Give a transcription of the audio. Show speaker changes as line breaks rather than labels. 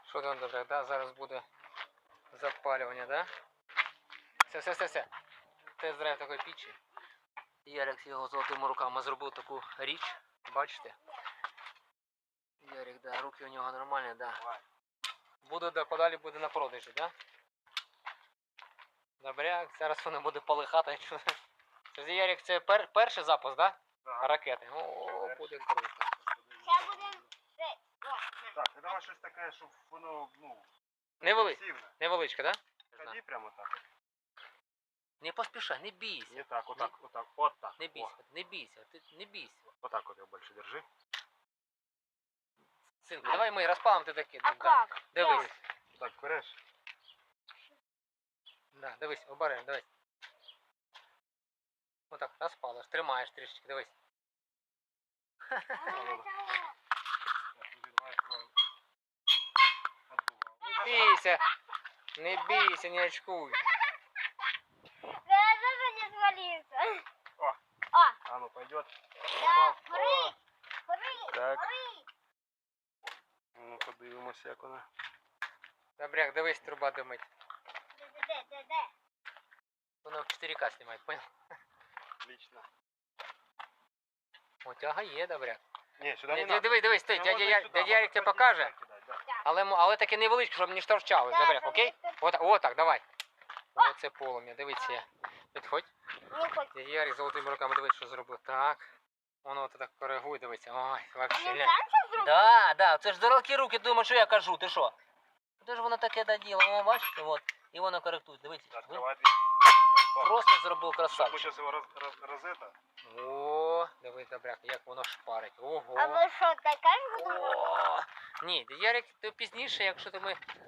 Що там добре, да? Зараз буде запалювання, да? Все. Тест-драйв такої пічі. Ярик його золотими руками зробив таку річ. Бачите? Ярик, да, руки у нього нормальні, да. Буде, да, подалі буде на продажі, да? Добряк, зараз воно буде полихати. Це, Ярик, це перший запуск, да?
Так.
Ракети. О, буде круто.
Зараз будемо...
Так, і давай щось таке, щоб воно,
Невеличке, невеличке, да?
Ході прямо так.
Не поспішай, не бійся.
Не так, отак.
Не бійся, не бійся, ти не бійся.
Отак от його більше держи.
Синку, давай ми розпалимо ти таки.
А
Да.
як?
Дивись.
Так, береш.
Да, дивись, обереш, дивись. Отак, розпалиш, тримаєш трішечки, дивись. Не бійся, не очкуй.
Я тоже не свалился.
О.
О,
А ну пойдет.
да, прыг.
Так. Ну, подивимося, як вона.
Добряк, дивись, труба димить.
Де.
Воно в 4К знімає, понял?
Отлично.
О, тяга є, добряк.
Ні, сюди не надо.
Дивись, ти,
Ну,
дядя
можна сюди,
Ярик тебе
можна
покаже,
сюди кидати, да.
але таке невеличке, щоб не шторчали,
Да,
добряк,
щоб
окей?
не
Отак, давай. Оце полум'я, дивіться. Підходь.
Не хоть.
Дядя Ярик золотими руками, дивись, що зробив. Так. Воно так коригує, дивиться. Ой, вообще.
Він
ля.
сам це зробив?
Да, це ж здорові руки, думаєш, що я кажу, ти що? Це ж воно таке доділо, о, бачите, от. І воно коректує, дивіться.
Відкривай дві.
Просто зробив
Ми
красавчик.
зараз його розета.
О, дивись, добряк, як воно шпарить. Ого.
А ви що, така ж будемо?
О, ні, Ярик, ти пізніше, якщо ми